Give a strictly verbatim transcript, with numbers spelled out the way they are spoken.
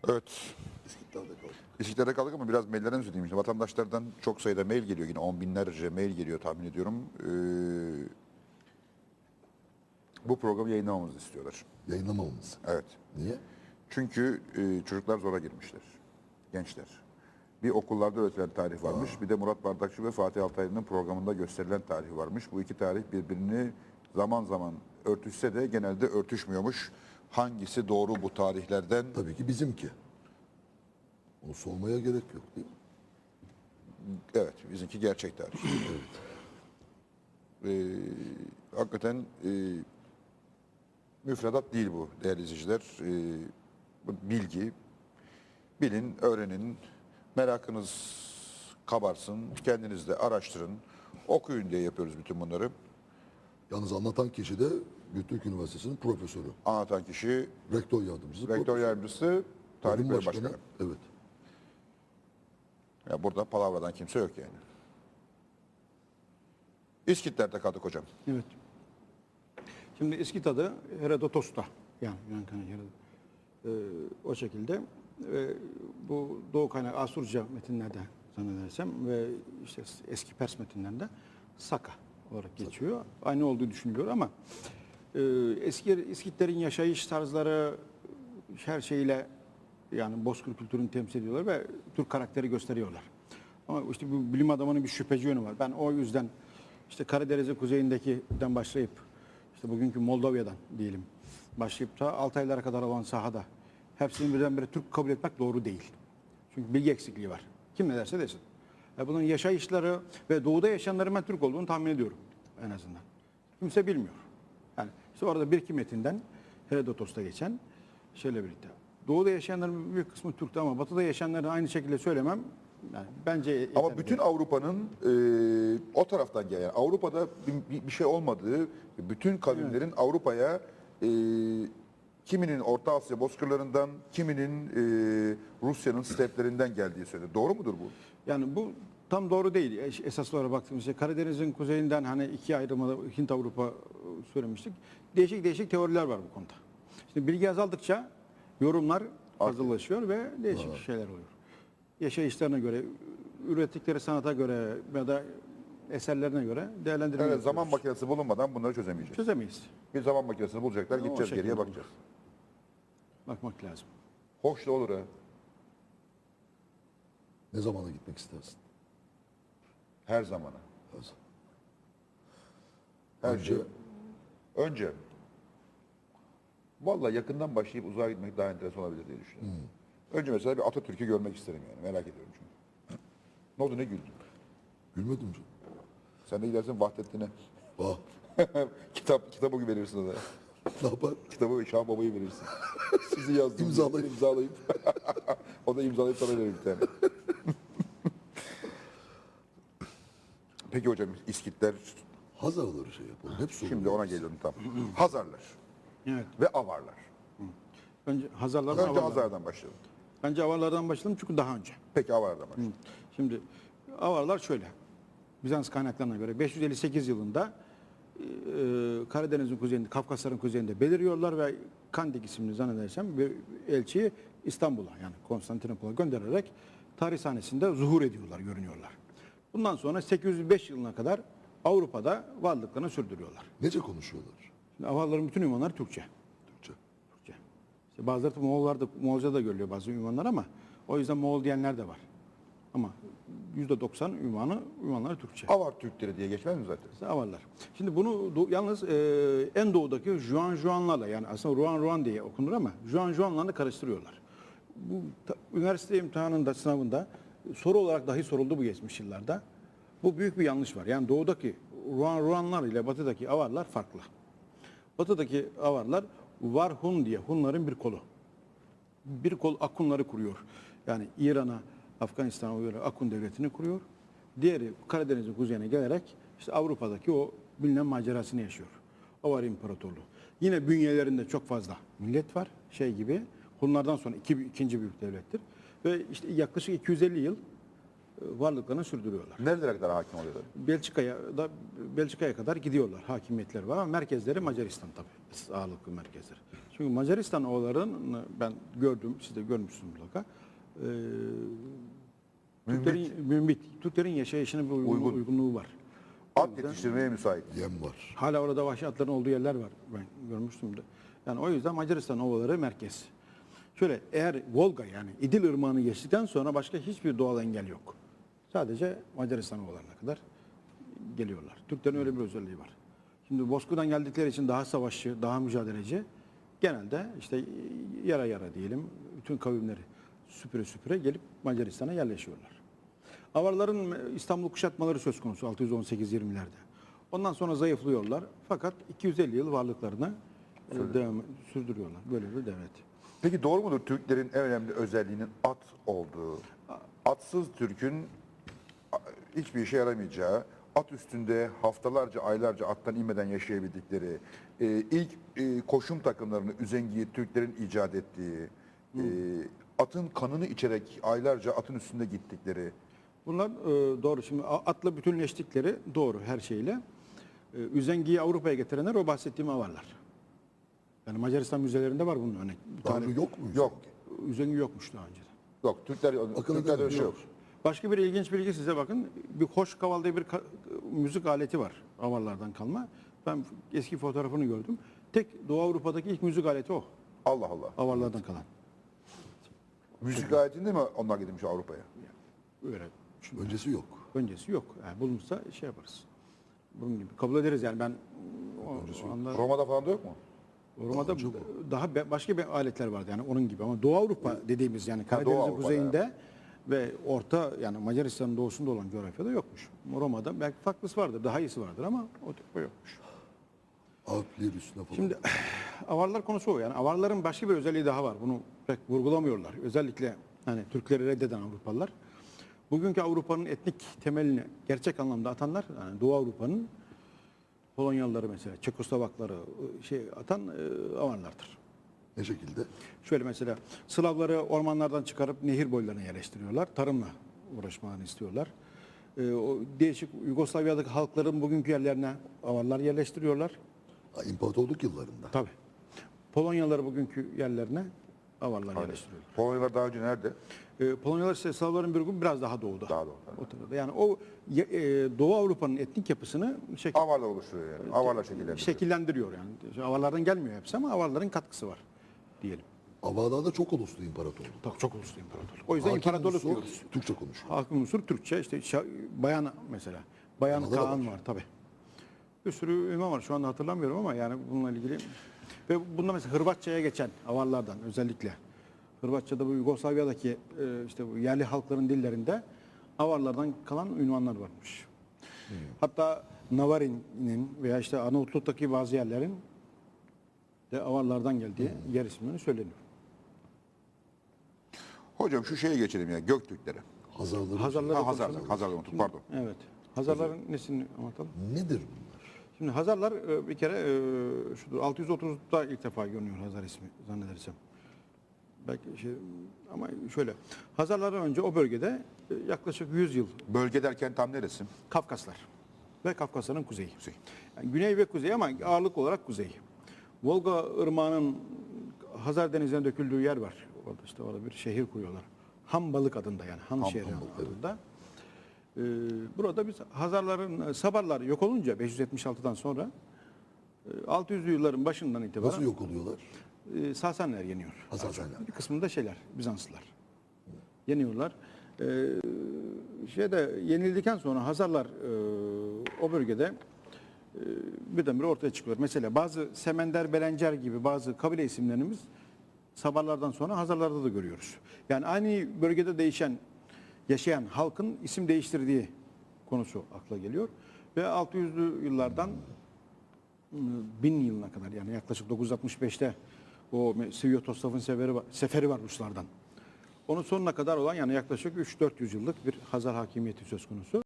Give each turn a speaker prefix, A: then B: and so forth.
A: Evet.
B: İskitler'de kaldık.
A: İskitler'de kaldık ama biraz maillerden söyleyeyim. İşte vatandaşlardan çok sayıda mail geliyor. Yine on binlerce mail geliyor tahmin ediyorum. Ee, bu programı yayınlamamızı istiyorlar.
B: Yayınlamamamız.
A: Evet.
B: Niye?
A: Çünkü e, çocuklar zora girmişler. Gençler. Bir okullarda öğretilen tarih varmış. Bir de Murat Bardakçı ve Fatih Altaylı'nın programında gösterilen tarih varmış. Bu iki tarih birbirini zaman zaman örtüşse de genelde örtüşmüyormuş. Hangisi doğru bu tarihlerden?
B: Tabii ki bizimki. Onu sormaya gerek yok değil mi?
A: Evet, bizimki gerçek tarih. Ee, hakikaten e, müfredat değil bu değerli izleyiciler. Ee, bu bilgi, bilin, öğrenin, merakınız kabarsın, kendiniz de araştırın, okuyun diye yapıyoruz bütün bunları.
B: Yalnız anlatan kişi de Göktürk Üniversitesi'nin profesörü.
A: Anlatan kişi,
B: Rektör yardımcısı.
A: rektör
B: profesör.
A: yardımcısı, tarih
B: Bölüm
A: bölüm başkanı.
B: Evet.
A: Ya burada palavradan kimse yok yani. İskitler'de kaldık hocam.
C: Evet. Şimdi İskit Herodotos'ta yani Yunan kaynağı Herodot. Ee, o şekilde ve bu Doğu kaynağı Asurca metinlerde zannedersem ve işte eski Pers metinlerinde Saka olarak geçiyor. Aynı olduğu düşünülüyor ama e, eski İskitlerin yaşayış tarzları her şeyle yani Bozkır kültürünü temsil ediyorlar ve Türk karakteri gösteriyorlar. Ama işte bu bilim adamının bir şüpheci yönü var. Ben o yüzden işte Karadeniz'in kuzeyindekinden başlayıp işte bugünkü Moldova'dan diyelim başlayıp da Altaylara kadar olan sahada hepsini birdenbire Türk kabul etmek doğru değil. Çünkü bilgi eksikliği var. Kim ne derse desin. E bunun yaşayışları ve doğuda yaşayanların ben Türk olduğunu tahmin ediyorum en azından. Kimse bilmiyor. Yani işte orada bir iki metinden Herodotos'ta geçen şeyle birlikte. Doğuda yaşayanların büyük kısmı Türk'tü ama batıda yaşayanları aynı şekilde söylemem yani bence
A: Ama
C: yeterli
A: bütün
C: değil.
A: Avrupa'nın e, o taraftan gelen, Avrupa'da bir, bir- bir şey olmadığı, bütün kavimlerin Avrupa'ya e, kiminin Orta Asya bozkırlarından, kiminin e, Rusya'nın steplerinden geldiği söyleniyor. Doğru mudur bu?
C: Yani bu tam doğru değil. Es- Esas olarak baktığımızda Karadeniz'in kuzeyinden hani iki ayrımada Hint Avrupa e, söylemiştik. Değişik değişik teoriler var bu konuda. Şimdi bilgi azaldıkça yorumlar fazlalaşıyor ve değişik şeyler oluyor. Yaşayışlarına göre, ürettikleri sanata göre ya da eserlerine göre değerlendirme
A: Evet,
C: yapıyoruz.
A: zaman makinesi bulunmadan bunları çözemeyeceğiz.
C: Çözemeyiz.
A: Bir zaman makinesini bulacaklar,
C: O
A: gideceğiz
C: şekilde
A: geriye
C: olur.
A: bakacağız.
C: Bakmak lazım.
A: Hoş da olur ha.
B: Ne zamana gitmek istersin?
A: Her zamana.
B: Hazır.
A: Her
B: Önce-
A: şey. Önce. Vallahi yakından başlayıp uzağa gitmek daha enteresan olabilir diye düşünüyorum. Önce mesela bir Atatürk'ü görmek isterim yani. Merak ediyorum çünkü. Ne oldu, ne güldün?
B: Gülmedim canım.
A: Sen de gidersin Vahdettin'e.
B: Ah,
A: Kitap, kitabı verirsin ona.
B: ne yapar?
A: Kitabı Şah Baba'yı verirsin. Sizi yazdım.
B: İmzalayıp.
A: imzalayıp. O da imzalayıp sana verir bir tane. Peki hocam İskitler,
B: Hazarları şey yapalım. Hep sorun.
A: şimdi ona geliyorum tam. Hazarlar
C: Evet.
A: ve Avarlar.
C: Önce Hazarlardan
A: Önce
C: Avarlar.
A: Hazar'dan başlayalım.
C: Bence Avarlardan başlayalım çünkü daha önce.
A: Peki Avarlardan başlayalım.
C: Şimdi Avarlar şöyle. Bizans kaynaklarına göre beş yüz elli sekiz yılında e, Karadeniz'in kuzeyinde, Kafkasların kuzeyinde beliriyorlar ve Kandik isimli zannedersem bir elçiyi İstanbul'a yani Konstantinopol'a göndererek tarih sahnesinde zuhur ediyorlar, görünüyorlar. Bundan sonra sekiz yüz beş yılına kadar Avrupa'da varlıklarını sürdürüyorlar.
B: Nece konuşuyorlar?
C: Şimdi Avarların bütün ünvanları Türkçe.
B: Türkçe.
C: Türkçe. İşte bazıları da Moğollarda, Moğolca da görülüyor bazı ünvanlar ama o yüzden Moğol diyenler de var. Ama yüzde doksan ünvanı, ünvanları Türkçe.
A: Avar Türkleri diye geçmez mi zaten?
C: İşte Avarlar. Şimdi bunu do- yalnız e, en doğudaki Juan Juanlarla yani aslında Ruan Ruan diye okunur ama Juan Juanlarla karıştırıyorlar. Bu ta- üniversite imtihanında, sınavında soru olarak dahi soruldu bu geçmiş yıllarda. Bu büyük bir yanlış var. Yani doğudaki Ruan Ruanlar ile batıdaki Avarlar farklı. Batıdaki Avarlar Varhun diye Hunların bir kolu. Bir kol Akunları kuruyor. Yani İran'a, Afganistan'a uyarı Akun devletini kuruyor. Diğeri Karadeniz'in kuzeyine gelerek işte Avrupa'daki o bilinen macerasını yaşıyor. Avar İmparatorluğu. Yine bünyelerinde çok fazla millet var. Şey gibi. Hunlardan sonra iki, ikinci büyük devlettir. Ve işte yaklaşık iki yüz elli yıl varlıklarını sürdürüyorlar.
A: Nerelere kadar hakim oluyorlar?
C: Belçika'ya da Belçika'ya kadar gidiyorlar. Hakimiyetleri var ama merkezleri Macaristan tabii. Ağırlıklı merkezleri. Çünkü Macaristan oğullarını ben gördüm, siz de görmüşsünüz mutlaka. Ee, Türklerin, mümbit. Türklerin yaşayışına bir uygun,
A: Uygun.
C: uygunluğu var.
A: At yetiştirmeye müsait.
B: Yem var.
C: Hala orada vahşi atların olduğu yerler var. Ben görmüştüm de. Yani o yüzden Macaristan ovaları merkez. Şöyle eğer Volga yani İdil Irmağı'nı geçtikten sonra başka hiçbir doğal engel yok. Sadece Macaristan ovalarına kadar geliyorlar. Türklerin öyle bir özelliği var. Şimdi Bozkır'dan geldikleri için daha savaşçı, daha mücadeleci. Genelde işte yara yara diyelim bütün kavimleri süpüre süpüre gelip Macaristan'a yerleşiyorlar. Avarların İstanbul kuşatmaları söz konusu altı yüz on sekiz yirmilerde. Ondan sonra zayıflıyorlar. Fakat iki yüz elli yıl varlıklarını e, devam sürdürüyorlar. Böyle bir devlet.
A: Peki doğru mudur Türklerin en önemli özelliğinin at olduğu? Atsız Türk'ün a, hiçbir işe yaramayacağı, at üstünde haftalarca, aylarca attan inmeden yaşayabildikleri, e, ilk e, koşum takımlarını, üzengiyi Türklerin icat ettiği, e, atın kanını içerek aylarca atın üstünde gittikleri.
C: Bunlar e, doğru. Şimdi a- atla bütünleştikleri doğru her şeyle. E, üzengiyi Avrupa'ya getirenler o bahsettiğim avarlar. Yani Macaristan müzelerinde var bunun örnek. Bir
B: Tanrı
C: tane
B: yok mu?
A: Yok,
C: üzengi yokmuş daha önce.
A: yok. Türkler,
B: Akıllı
A: Türklerde öyle şey
B: yok.
A: yok.
C: Başka bir ilginç bilgi size bakın. Bir hoş kaval diye bir ka- müzik aleti var. Avarlardan kalma. Ben eski fotoğrafını gördüm. Tek Doğu Avrupa'daki ilk müzik aleti o.
A: Allah Allah.
C: Avarlardan kalan.
A: Müzik aletinde mi onlar gitmiş Avrupa'ya?
C: Öyle. Şimdi
B: Öncesi yok.
C: öncesi yok. Yani bulunursa şey yaparız. Bunun gibi. Kabul ederiz yani ben o, o anda
A: Roma'da falan da yok mu?
C: Roma'da daha be- başka bir aletler vardı yani onun gibi ama Doğu Avrupa dediğimiz yani Karadeniz'in
A: Avrupa'da,
C: kuzeyinde ve orta yani Macaristan'ın doğusunda olan coğrafyada yokmuş. Roma'da belki farklısı vardır, daha iyisi vardır ama o tip o yokmuş.
B: Alpler üstüne falan.
C: Şimdi avarlar konusu o yani avarların başka bir özelliği daha var. Bunu pek vurgulamıyorlar. Özellikle hani Türkleri reddeden Avrupalılar. Bugünkü Avrupa'nın etnik temelini gerçek anlamda atanlar yani Doğu Avrupa'nın Polonyalıları mesela Çekoslovakları şey atan e, avarlardır.
B: Ne şekilde?
C: Şöyle mesela Slavları ormanlardan çıkarıp nehir boylarına yerleştiriyorlar. Tarımla uğraşmalarını istiyorlar. Ee, o değişik Yugoslavya'daki halkların bugünkü yerlerine avarlar yerleştiriyorlar.
B: Ha, İmparatorluk yıllarında.
C: Tabii. Polonyalıları bugünkü yerlerine avarlar yerleştiriyorlar.
A: Polonyalılar daha önce nerede?
C: Ee, Polonyalılar ise Slavların bir grubu biraz daha doğuda.
A: Daha doğuda.
C: O tarafta. Yani o ye- e, Doğu Avrupa'nın etnik yapısını şekil,
A: Avarlar oluşturuyor yani. Avarlar şekillendiriyor.
C: şekillendiriyor yani. Avarlardan gelmiyor hepsi ama avarların katkısı var diyelim.
B: Avalarda çok uluslu imparatorluk.
C: Tabii çok uluslu imparatorluk. O yüzden
B: Hakim
C: imparatorluk
B: unsur
C: diyoruz.
B: Türkçe konuşuyor.
C: Hakim unsur Türkçe işte şa- bayan mesela. Bayan
B: Anadolu
C: Kaan
B: var.
C: var tabi. Bir sürü ünvan var şu anda hatırlamıyorum ama yani bununla ilgili. Ve bunda mesela Hırvatça'ya geçen avarlardan özellikle. Hırvatça'da bu Yugoslavya'daki e, işte bu yerli halkların dillerinde avarlardan kalan ünvanlar varmış. Hatta Navarin'in veya işte Arnavutluk'taki bazı yerlerin de avarlardan geldiği yer isimleri söyleniyor.
A: Hocam şu şeye geçelim ya Göktürklere.
B: Hazarları.
C: Hazarları
A: Ha, Hazar,
C: konuşalım.
A: Hazar'ı unuttuk pardon.
C: Evet. Hazarların nesini anlatalım?
B: Nedir bunlar?
C: Şimdi Hazarlar e, bir kere e, şudur altı yüz otuzda ilk defa görünüyor Hazar ismi zannedersem. Belki şey ama şöyle Hazarlardan önce o bölgede e, yaklaşık yüz yıl
A: Bölge derken tam neresi?
C: Kafkaslar ve Kafkasların kuzeyi. Yani güney ve kuzey ama ağırlık olarak kuzey. Volga Irmağı'nın Hazar Denizi'ne döküldüğü yer var. Orada işte orada bir şehir kuruyorlar. Hambalık adında yani Han
B: Ham-
C: şehri
B: Hambalık, evet.
C: adında. Ee, burada biz Hazarların Sabarlar yok olunca beş yüz yetmiş altıdan sonra e, altı yüzlü yılların başından itibaren
B: Nasıl yok oluyorlar?
C: e, Sasanlar yeniyor.
B: Hazasenler.
C: Bir kısmında şeyler, Bizanslılar. Yeniyorlar. Ee, şeyde yenildikten sonra Hazarlar e, o bölgede e, birdenbire ortaya çıkıyor. Mesela bazı Semender, Belencer gibi bazı kabile isimlerimiz Sabarlardan sonra Hazarlarda da görüyoruz. Yani aynı bölgede değişen, yaşayan halkın isim değiştirdiği konusu akla geliyor. Ve altı yüzlü yıllardan bin yılına kadar yani yaklaşık dokuz yüz altmış beşte o Sviatoslav'ın seferi var, seferi var Ruslardan. Onun sonuna kadar olan yani yaklaşık üç dört yüz yıllık bir Hazar hakimiyeti söz konusu.